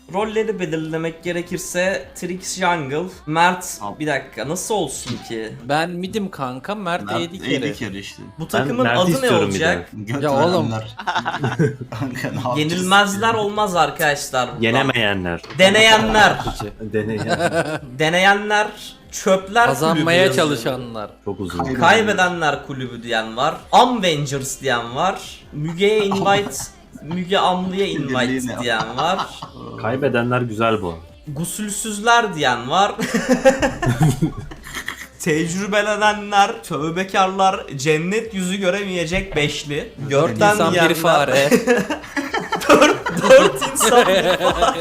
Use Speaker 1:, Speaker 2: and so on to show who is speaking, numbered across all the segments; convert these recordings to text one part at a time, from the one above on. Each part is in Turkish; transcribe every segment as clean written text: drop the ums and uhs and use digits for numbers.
Speaker 1: Rolleri belirlemek gerekirse Trix Jungle, Mert bir dakika nasıl olsun ki?
Speaker 2: Ben midim kanka, Mert AD
Speaker 3: AD
Speaker 2: carry.
Speaker 3: carry işte.
Speaker 1: Bu takımın
Speaker 4: Mert'i
Speaker 1: adı ne
Speaker 4: istiyorum bir
Speaker 1: olacak?
Speaker 3: Göt
Speaker 2: Ya oğlum.
Speaker 3: verenler. Kanka ne yapacağız?
Speaker 1: Yenilmezler olmaz arkadaşlar. buradan.
Speaker 4: Yenemeyenler.
Speaker 1: Deneyenler.
Speaker 4: Deneyen.
Speaker 1: Deneyenler, çöpler
Speaker 2: Kazanmaya
Speaker 1: kulübü yazıyor.
Speaker 2: çalışanlar.
Speaker 4: Çok uzun.
Speaker 1: Kaybedenler kulübü diyen var. Avengers diyen var. Müge'ye invite, Müge Amlı'ya invite
Speaker 3: Birliğine.
Speaker 1: diyen var.
Speaker 4: Kaybedenler güzel bu.
Speaker 1: Gusülsüzler diyen var. Tecrübelenenler, tövbekarlar, cennet yüzü göremeyecek beşli. Görten
Speaker 2: İnsan
Speaker 1: diyenler.
Speaker 2: bir fare.
Speaker 1: Dört insan bir fare.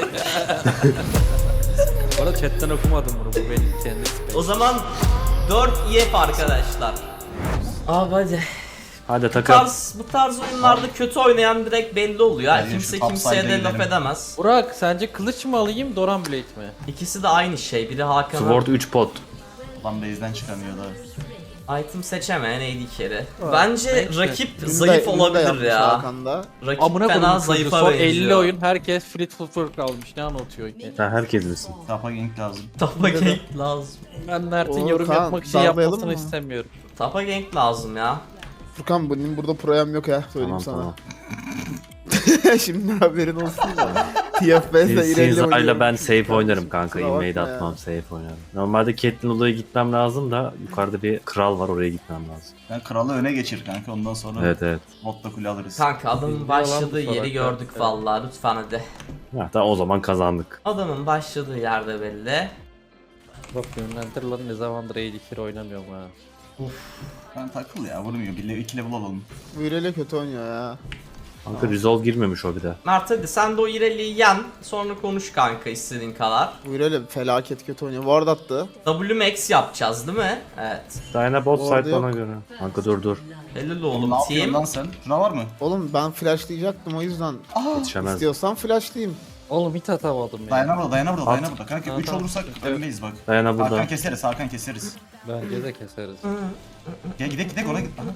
Speaker 2: Bu arada chatten okumadım bunu, bu benim kendi
Speaker 1: O zaman 4 EF arkadaşlar. Abi hadi.
Speaker 4: Hadi
Speaker 1: Bu
Speaker 4: takım.
Speaker 1: tarz oyunlarda kötü oynayan direkt belli oluyor.
Speaker 3: Bence
Speaker 1: Kimse
Speaker 3: şu
Speaker 1: kimseye de
Speaker 3: topside'a
Speaker 1: laf
Speaker 3: gidelim.
Speaker 1: edemez.
Speaker 2: Burak, sence kılıç mı alayım, Doran Blade mi?
Speaker 1: İkisi de aynı şey. Biri Hakan'a
Speaker 4: Sword 3 pot.
Speaker 3: Lan base'den çıkamıyor da.
Speaker 1: item seçemeyen AD carry. Bence
Speaker 2: neyse.
Speaker 1: rakip zayıf olabilir ya.
Speaker 5: Hakan'da.
Speaker 1: Rakip
Speaker 2: Amına
Speaker 1: fena
Speaker 2: koyayım,
Speaker 1: zayıfa
Speaker 2: son
Speaker 1: benziyor.
Speaker 2: 50 oyun herkes Fleet Footwork almış, ne anlatıyor ki?
Speaker 4: Sen herkes misin?
Speaker 3: Tapa gank lazım.
Speaker 1: Tapa gank lazım.
Speaker 2: Ben Mert'in
Speaker 5: Oo,
Speaker 2: yorum
Speaker 5: Kaan,
Speaker 2: yapmak için
Speaker 5: darlayalım
Speaker 2: yapmasını
Speaker 5: mı?
Speaker 2: istemiyorum.
Speaker 1: Tapa gank lazım ya.
Speaker 5: Furkan benim burada proyam yok ya söyleyeyim
Speaker 4: Tamam tamam.
Speaker 5: sana. Şimdi haberin olsun da. TFB'de ilerle
Speaker 4: Sinza'yla ben safe oynarım kanka.
Speaker 5: Kusura
Speaker 4: Invade
Speaker 5: bakma ya.
Speaker 4: atmam, safe oynarım. Normalde Caitlyn odaya gitmem lazım da yukarıda bir kral var, oraya gitmem lazım.
Speaker 3: Ben kralı öne geçir kanka, ondan sonra
Speaker 4: Evet evet.
Speaker 3: botla kule alırız.
Speaker 1: Kanka adamın
Speaker 2: Bilmiyor lan
Speaker 1: başladığı
Speaker 2: bu
Speaker 1: yeri
Speaker 2: salak
Speaker 1: gördük
Speaker 2: ya.
Speaker 1: vallahi, lütfen hadi.
Speaker 4: Ya, tamam, o zaman kazandık.
Speaker 1: Adamın başladığı yerde belli.
Speaker 2: Bak yönlendir lan, ne zamandır AD oynamıyorum ha.
Speaker 3: Ben takıl ya, vurmuyor. 2 level alalım.
Speaker 5: Bu ilerle kötü oynuyor ya.
Speaker 4: Kanka resolve girmemiş o bir de.
Speaker 1: Mert hadi sen de o İreli'yi yen, sonra konuş kanka istediğin kadar.
Speaker 5: Bu ilerle felaket kötü oynuyor. Ward attı.
Speaker 1: WMAX yapacağız değil mi? Evet.
Speaker 4: Dyna bot
Speaker 5: Orada
Speaker 4: side bana
Speaker 5: yok.
Speaker 4: göre. Kanka dur.
Speaker 1: Helal
Speaker 3: Oğlum
Speaker 1: oğlum
Speaker 3: ne yapıyorsun
Speaker 1: team.
Speaker 3: lan sen? Şuna var mı?
Speaker 5: Oğlum ben flashlayacaktım o yüzden.
Speaker 4: Yetişemez.
Speaker 5: İstiyorsan flashlayayım.
Speaker 2: Oğlum hiç atamadım ya.
Speaker 3: Dayana burada, dayana burada,
Speaker 4: At.
Speaker 3: dayana burada. Kanka 3
Speaker 2: Tamam.
Speaker 3: olursak öndeyiz bak.
Speaker 4: Dyna
Speaker 3: Hakan
Speaker 4: burada.
Speaker 3: keseriz, Hakan keseriz.
Speaker 2: Bence de keseriz.
Speaker 3: Gel gidek ona git. Aha.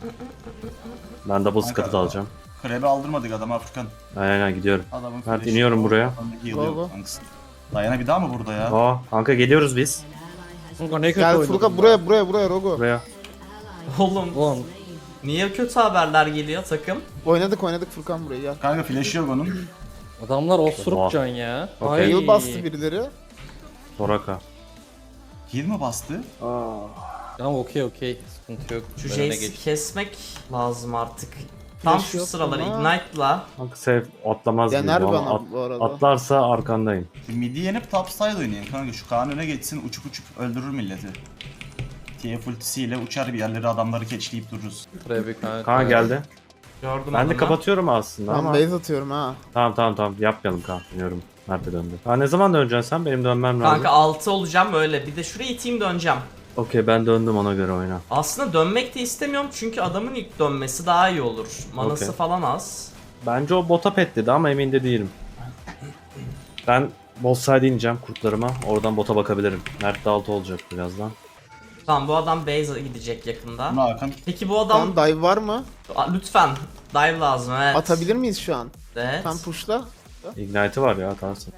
Speaker 4: Ben double
Speaker 3: Kanka,
Speaker 4: scut'ı alacağım.
Speaker 3: Krebe aldırmadık adama Furkan.
Speaker 4: Aynen gidiyorum.
Speaker 3: Adamın
Speaker 4: Mert,
Speaker 3: flash'i
Speaker 4: iniyorum
Speaker 3: yok.
Speaker 4: buraya.
Speaker 3: Adam da
Speaker 5: Go,
Speaker 3: heal'ıyor
Speaker 5: go.
Speaker 3: kankası. Dayana bir daha mı burada ya?
Speaker 4: Aa kanka geliyoruz biz.
Speaker 2: Kanka ne kötü
Speaker 5: Gel
Speaker 2: oynadım
Speaker 5: Furkan
Speaker 2: ya.
Speaker 5: buraya Rogo.
Speaker 4: Buraya.
Speaker 1: Oğlum
Speaker 2: Oğlum
Speaker 1: niye kötü haberler geliyor takım?
Speaker 5: Oynadık Furkan buraya gel.
Speaker 3: Kanka flash yok onun.
Speaker 2: adamlar
Speaker 4: Oha.
Speaker 2: osuruk can ya.
Speaker 4: Okey.
Speaker 5: Heal bastı birileri.
Speaker 4: Soraka.
Speaker 3: Heal mi bastı?
Speaker 2: Tamam okey sıkıntı yok.
Speaker 1: Şu
Speaker 2: Ben öne
Speaker 1: Jace'i
Speaker 2: geçtim.
Speaker 1: kesmek lazım artık. Tam
Speaker 5: Flash
Speaker 1: şu
Speaker 5: yok
Speaker 1: sıralar
Speaker 5: ama.
Speaker 1: Ignite'la.
Speaker 4: Kanka safe atlamaz gibi.
Speaker 5: Yener
Speaker 4: Ama
Speaker 5: bana bu arada.
Speaker 4: atlarsa arkandayım.
Speaker 3: Şu midi yenip top side oynayayım kanka. Şu Kaan öne geçsin, uçup öldürür milleti. TF ultisiyle uçar bir yerlere, adamları keçleyip dururuz.
Speaker 2: Trebi kanka.
Speaker 4: Kaan geldi.
Speaker 1: Gördüm
Speaker 4: Ben de
Speaker 1: adamı.
Speaker 4: kapatıyorum aslında
Speaker 5: Ben
Speaker 4: ama.
Speaker 5: base atıyorum ha.
Speaker 4: Tamam yapmayalım Kaan. Biliyorum. Mert'e döndü. Ha, ne zaman döneceksin sen? Benim dönmem lazım.
Speaker 1: Kanka 6 olacağım öyle. Bir de şuraya iteyim döneceğim.
Speaker 4: Okey ben döndüm, ona göre oyna.
Speaker 1: Aslında dönmek de istemiyorum çünkü adamın ilk dönmesi daha iyi olur. Manası
Speaker 4: Okey.
Speaker 1: falan az.
Speaker 4: Bence o bota pet dedi ama emin de değilim. Ben bot side ineceğim kurtlarıma. Oradan bota bakabilirim. Mert de altı olacak birazdan.
Speaker 1: Tamam bu adam base'e gidecek yakında.
Speaker 3: Bunu Hakan.
Speaker 1: Peki bu adam...
Speaker 5: Tam dive var mı?
Speaker 1: Lütfen. Dive lazım evet.
Speaker 5: Atabilir miyiz şu an?
Speaker 1: Evet.
Speaker 5: Tam pushla.
Speaker 4: Ignite'ı var ya, atarsın.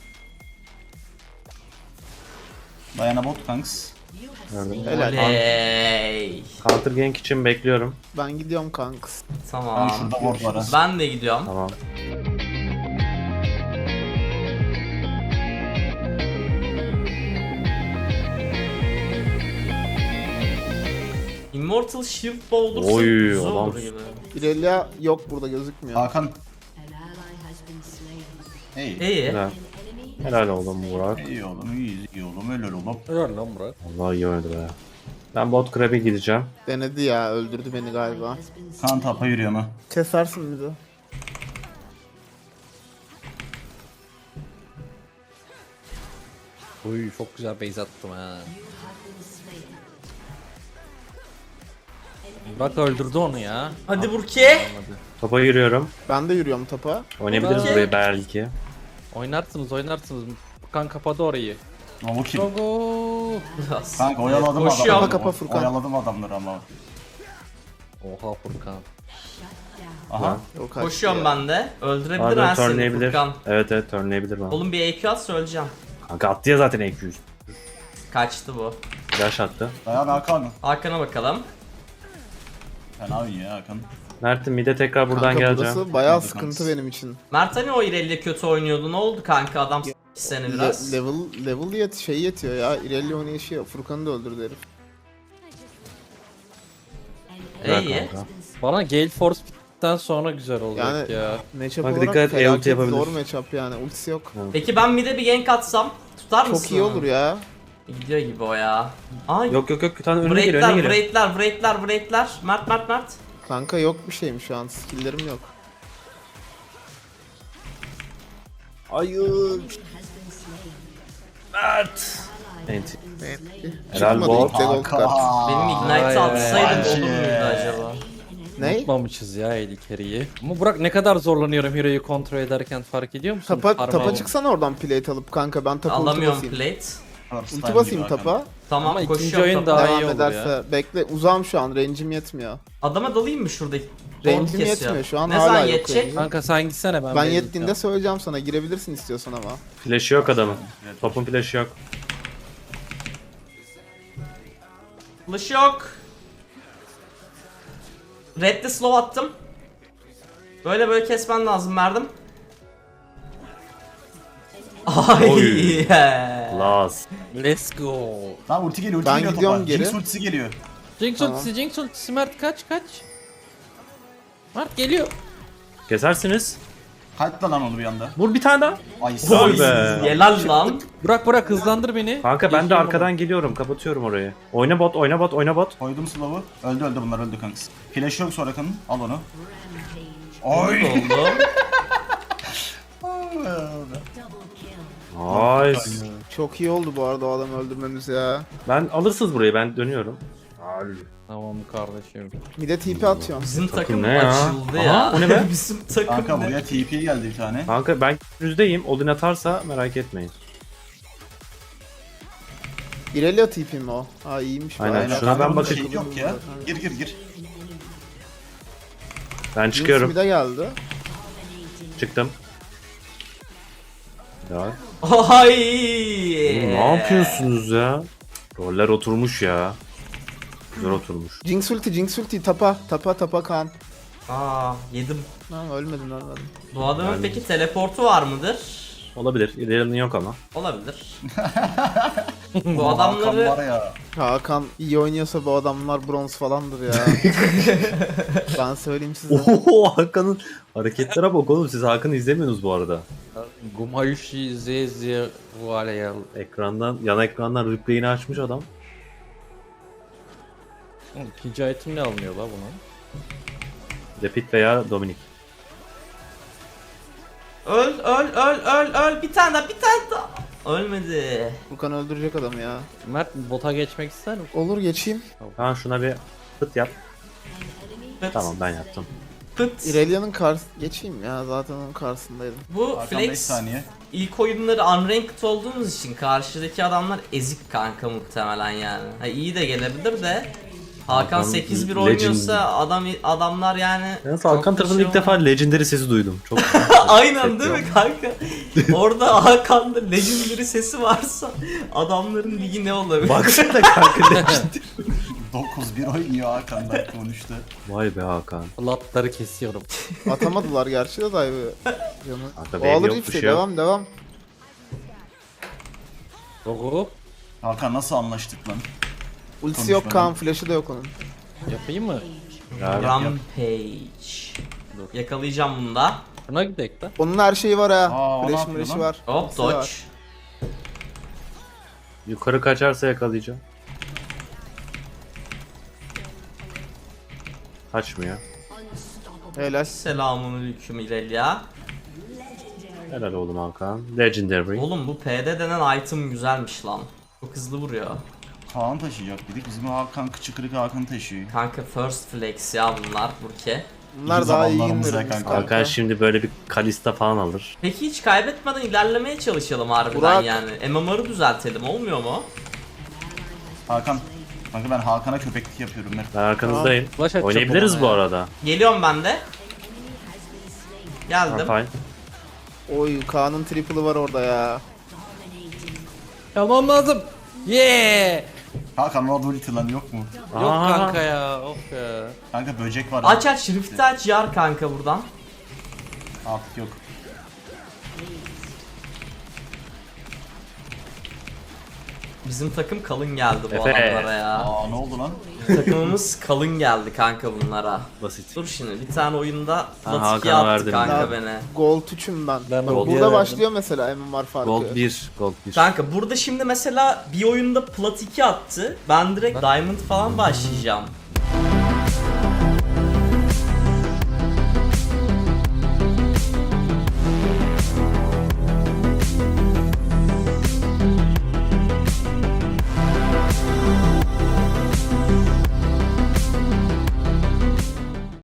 Speaker 3: Dayana bot kanks.
Speaker 4: Gördüm.
Speaker 5: Helal.
Speaker 1: Oley.
Speaker 4: Counter gank için bekliyorum.
Speaker 5: Ben gidiyorum kanks.
Speaker 3: Ben
Speaker 1: Tamam.
Speaker 3: şurada ward var ha.
Speaker 1: Ben de gidiyorum.
Speaker 4: Tamam.
Speaker 1: Immortal Shield Bow olursa
Speaker 4: Oy,
Speaker 1: güzel
Speaker 4: adam.
Speaker 1: olur gibi.
Speaker 5: İrelia yok burada gözükmüyor.
Speaker 3: Hakan. Hey.
Speaker 1: İyi.
Speaker 4: Helal. Helal oğlum Burak.
Speaker 3: İyi oğlum, iyi oğlum, öyle oğlum.
Speaker 2: Helal lan Burak.
Speaker 4: Vallahi iyi oynadı be. Ben bot grab'e gideceğim.
Speaker 5: Denedi ya öldürdü beni galiba.
Speaker 3: Kaan tapa yürüyor mu?
Speaker 5: Kesersin bizi.
Speaker 2: Uy çok güzel base attım ha. Burak öldürdü onu ya.
Speaker 1: Hadi Burki.
Speaker 4: Topa yürüyorum.
Speaker 5: Ben de yürüyorum tapa.
Speaker 4: Oynayabiliriz
Speaker 1: Okey.
Speaker 4: burayı belki.
Speaker 2: Oynarsınız. Furkan kapadı orayı.
Speaker 3: Ama kim?
Speaker 2: Gogo.
Speaker 3: Kanka oyaladım
Speaker 1: Koşuyor.
Speaker 3: adamları.
Speaker 5: Kapa Furkan.
Speaker 3: Oyaladım adamları ama.
Speaker 2: Oha Furkan.
Speaker 3: Aha.
Speaker 5: O kaçtı
Speaker 1: Koşuyorum
Speaker 5: ya.
Speaker 1: ben de. Öldürebilir
Speaker 4: Bazen
Speaker 1: ha seni
Speaker 4: turnlayabilir.
Speaker 1: Furkan.
Speaker 4: Evet turnlayabilir bana.
Speaker 1: Oğlum bir EQ at söyleyeceğim.
Speaker 4: Kanka attı ya zaten EQ.
Speaker 1: Kaçtı bu.
Speaker 4: Flash attı.
Speaker 3: Dayan Hakan.
Speaker 1: Hakan'a bakalım.
Speaker 3: Fena oynuyor Hakan.
Speaker 4: Mert'im mide tekrar buradan
Speaker 5: Kanka
Speaker 4: geleceğim.
Speaker 5: burası bayağı
Speaker 3: Hadi
Speaker 5: sıkıntı
Speaker 3: kanka.
Speaker 5: benim için.
Speaker 1: Mert hani o İrelia kötü oynuyordu. Ne oldu kanka? Adam seni biraz.
Speaker 5: Level şey yetiyor ya. Irelia oynayışı Furkan'ı da öldürdü herif.
Speaker 4: Güzel
Speaker 1: İyi.
Speaker 4: kanka.
Speaker 2: Bana Gale Force bittikten sonra güzel olacak
Speaker 5: Yani-
Speaker 2: ya.
Speaker 5: Matchup
Speaker 4: Bak
Speaker 5: olarak
Speaker 4: dikkat et,
Speaker 5: felaket
Speaker 4: ulti yapabilir.
Speaker 5: zor matchup yani. Ultisi yok.
Speaker 1: Peki ben mid'e bir gank atsam tutar mısın?
Speaker 5: Çok iyi olur ya.
Speaker 1: Gidiyor gibi o ya. Ay.
Speaker 4: Yok bir tane önüne geliyor önüne geliyor.
Speaker 1: Breakler. Mert.
Speaker 5: Kanka yok bir şeyim şu an. Skill'lerim yok. Hayır.
Speaker 4: Enti. Helal
Speaker 5: Çıkmadı
Speaker 4: bol.
Speaker 5: ilk de gold card.
Speaker 1: Benim Ignite
Speaker 2: Ay,
Speaker 1: atsaydım
Speaker 3: ay.
Speaker 1: olur muydu acaba?
Speaker 5: Ne?
Speaker 2: Tutmamışız ya AD carry'i. Ama Burak ne kadar zorlanıyorum Hero'yu kontrol ederken fark ediyor musun?
Speaker 5: Tapa çıksana oradan plate alıp kanka ben tapa ulti
Speaker 1: Alamıyorum
Speaker 5: basayım.
Speaker 1: plate.
Speaker 3: First
Speaker 5: Ulti
Speaker 3: time
Speaker 5: basayım
Speaker 3: gibi Hakan.
Speaker 5: tapa.
Speaker 1: Tamam
Speaker 2: Ama ikinci
Speaker 1: koşuyorum
Speaker 2: oyun
Speaker 1: tapa.
Speaker 2: daha iyi
Speaker 5: Devam
Speaker 2: olur
Speaker 5: ederse.
Speaker 2: ya.
Speaker 5: Bekle uzağım şu an. Range'im yetmiyor.
Speaker 1: Adama dalayım mı şuradaki?
Speaker 5: Range'im
Speaker 1: Doğru kesiyor.
Speaker 5: yetmiyor şu an
Speaker 1: Ne
Speaker 5: hala
Speaker 1: zaman
Speaker 5: yok
Speaker 1: yetecek?
Speaker 5: range'im.
Speaker 2: Kanka sen gitsene ben
Speaker 5: Ben
Speaker 2: base
Speaker 5: yettiğinde
Speaker 2: atacağım.
Speaker 5: söyleyeceğim sana. Girebilirsin istiyorsan ama.
Speaker 4: Flash'ı yok adamın. Topun flash'ı yok.
Speaker 1: Flash yok. Red'de slow attım. Böyle kesmen lazım verdim. Ay.
Speaker 4: Oy. Last.
Speaker 2: Let's go.
Speaker 3: Lan ulti geliyor
Speaker 5: Ben
Speaker 3: geliyor
Speaker 5: gidiyorum
Speaker 3: topa.
Speaker 5: geri.
Speaker 3: Jinx ultisi geliyor.
Speaker 2: Jinx
Speaker 5: Tamam.
Speaker 2: ultisi, Jinx ultisi. Mert kaç. Mert geliyor.
Speaker 4: Kesersiniz.
Speaker 3: Kalp da lan onu bir anda.
Speaker 4: Vur bir tane daha.
Speaker 3: Ay
Speaker 4: Vay be.
Speaker 1: Helal lan.
Speaker 2: Burak hızlandır beni.
Speaker 4: Kanka ben de
Speaker 2: Geçiyorum
Speaker 4: arkadan geliyorum. Kapatıyorum orayı. Oyna bot.
Speaker 3: Koydum slow'u. Öldü bunlar öldü kanks. Flash yok sonra kanın. Al onu.
Speaker 1: Ne
Speaker 3: Oy.
Speaker 1: oldu?
Speaker 4: Nice.
Speaker 5: Çok iyi oldu bu arada o adamı öldürmemiz ya.
Speaker 4: Ben alırsınız burayı. Ben dönüyorum.
Speaker 2: bunu. Tamam kardeşim.
Speaker 5: Bir de TP atıyorum.
Speaker 1: Bizim takım
Speaker 4: ne ya?
Speaker 1: açıldı
Speaker 4: Aha,
Speaker 1: ya.
Speaker 4: o ne be?
Speaker 1: Bizim takım
Speaker 3: Kanka
Speaker 1: ne?
Speaker 3: buraya TP geldi bir tane.
Speaker 4: Kanka ben yüzdeyim. Odin atarsa merak etmeyin.
Speaker 5: Irelia TP mi o? Ha iyiymiş.
Speaker 4: Aynen,
Speaker 5: bayağı.
Speaker 4: şuna ben
Speaker 3: Kanka bunun
Speaker 4: bakayım.
Speaker 3: şeyi yok ya. Gir.
Speaker 4: Ben
Speaker 5: Jinx
Speaker 4: çıkıyorum.
Speaker 5: bir de geldi.
Speaker 4: Çıktım. Ya.
Speaker 1: Ay.
Speaker 4: Oğlum ne yapıyorsunuz ya? Roller oturmuş ya. Güzel oturmuş.
Speaker 5: Jinx ulti tapa Kaan.
Speaker 1: Aa yedim.
Speaker 5: Ha ölmedim.
Speaker 1: Bu adamın peki teleportu var mıdır?
Speaker 4: Olabilir. İlerinin yok ama.
Speaker 1: Olabilir. Bu
Speaker 3: Hakan var
Speaker 1: adamları
Speaker 3: ya.
Speaker 5: Hakan iyi oynuyorsa bu adamlar bronz falandır ya. Ben söyleyeyim size.
Speaker 4: Oho Hakan'ın hareketlere bak oğlum. Siz Hakan'ı izlemiyorsunuz bu arada.
Speaker 2: Gumayushi Zezia Valeyal.
Speaker 4: Ekrandan, yan ekrandan replay'ini açmış adam.
Speaker 2: İkinci item ne alınıyor la buna?
Speaker 4: Depit veya Dominik.
Speaker 1: öl bir tane daha. Ölmedi.
Speaker 5: Furkan öldürecek adamı ya.
Speaker 2: Mert bota geçmek ister misin?
Speaker 5: Olur geçeyim.
Speaker 4: Kaan şuna bir pıt yap.
Speaker 1: Pıt,
Speaker 4: Tamam ben yaptım.
Speaker 1: Pıt.
Speaker 5: Irelia'nın geçeyim ya zaten onun karşısındaydım.
Speaker 1: Bu
Speaker 3: Hakan 5
Speaker 1: Flex
Speaker 3: saniye.
Speaker 1: ilk oyunları unranked olduğumuz için karşıdaki adamlar ezik kanka muhtemelen yani. Ha, iyi de gelebilir de. Hakan
Speaker 4: Hakan
Speaker 1: 8-1
Speaker 4: legend.
Speaker 1: oynuyorsa adamlar yani.
Speaker 4: Yalnız
Speaker 1: çok
Speaker 4: Hakan
Speaker 1: bir
Speaker 4: tarafında
Speaker 1: şey
Speaker 4: ilk defa Legendary sesi duydum. Çok
Speaker 1: Aynen değil mi kanka? Orada Hakan'da legendary sesi varsa adamların ligi ne olabilir?
Speaker 4: Baksana kanka Legendary.
Speaker 3: 9-1 oynuyor Hakan da konuştu.
Speaker 4: Vay be Hakan.
Speaker 2: Latları kesiyorum.
Speaker 5: Atamadılar gerçi de dive'ı. Canı.
Speaker 4: Kanka
Speaker 5: O
Speaker 4: benim
Speaker 5: alır
Speaker 4: yok,
Speaker 5: hiçbir
Speaker 4: bir
Speaker 5: şey.
Speaker 4: şey yok.
Speaker 5: Devam.
Speaker 2: Doğru.
Speaker 3: Hakan nasıl anlaştık lan?
Speaker 5: Ultisi yok
Speaker 3: Konuşmadan.
Speaker 5: Kaan. Flash'ı da yok onun.
Speaker 2: Yapayım mı?
Speaker 4: Ya,
Speaker 1: Rampage. Yakalayacağım bunu da.
Speaker 2: Buna gidelim de.
Speaker 5: Onun her şeyi var ha.
Speaker 3: Aa, o ne
Speaker 5: Flash
Speaker 3: yapıyor
Speaker 5: flash'ı
Speaker 3: lan?
Speaker 5: var.
Speaker 1: Hop
Speaker 5: Hepsi var.
Speaker 1: dodge.
Speaker 4: yukarı kaçarsa yakalayacağım. Kaçmıyor.
Speaker 5: Helal.
Speaker 1: Selamünaleyküm İrelia.
Speaker 4: Helal oğlum Hakan. Legendary.
Speaker 1: Oğlum bu PD denen item güzelmiş lan. Çok hızlı vuruyor.
Speaker 3: Kaan taşıyacak dedik. Bizim Hakan kıçı kırık Hakan taşıyor.
Speaker 1: Kanka first flex ya bunlar Burke.
Speaker 5: Bunlar
Speaker 3: İyi
Speaker 5: daha iyi
Speaker 3: zamanlarımızda
Speaker 5: indirmiş
Speaker 3: kanka.
Speaker 4: Hakan şimdi böyle bir Kalista falan alır.
Speaker 1: Peki hiç kaybetmeden ilerlemeye çalışalım harbiden
Speaker 5: Burak.
Speaker 1: yani. MMR'ı düzeltelim olmuyor mu?
Speaker 3: Hakan. Kanka ben Hakan'a köpeklik yapıyorum ben.
Speaker 4: Ben arkanızdayım.
Speaker 2: Flash atacağım
Speaker 4: Oynayabiliriz
Speaker 2: ona
Speaker 4: bu
Speaker 2: ya.
Speaker 4: arada.
Speaker 1: Geliyorum ben de. Geldim.
Speaker 4: Fine.
Speaker 5: Oy Kaan'ın triple'ı var orada ya.
Speaker 2: Yapmam lazım. Yeah.
Speaker 3: Hakan o ulti lan yok mu?
Speaker 2: Yok
Speaker 4: Aa.
Speaker 2: kanka ya. Of ya.
Speaker 3: Kanka böcek var.
Speaker 1: Aç aç Rift'i aç yar kanka buradan.
Speaker 3: Artık yok.
Speaker 1: Bizim takım kalın geldi bu
Speaker 4: Efe.
Speaker 1: adamlara ya.
Speaker 3: Aa ne oldu lan?
Speaker 1: Takımımız kalın geldi kanka bunlara.
Speaker 4: Basit.
Speaker 1: Dur şimdi bir tane oyunda plat
Speaker 4: Hakan'a
Speaker 1: 2 attı
Speaker 4: verdim
Speaker 1: kanka
Speaker 5: ya.
Speaker 1: beni.
Speaker 5: Gold 3'üm ben.
Speaker 2: Ben
Speaker 5: Bak,
Speaker 2: Gold
Speaker 5: burada
Speaker 2: verdim.
Speaker 5: başlıyor mesela MMR farkı.
Speaker 4: Gold 1. Gold 1.
Speaker 1: Kanka burada şimdi mesela bir oyunda plat 2 attı. Ben direkt diamond falan başlayacağım.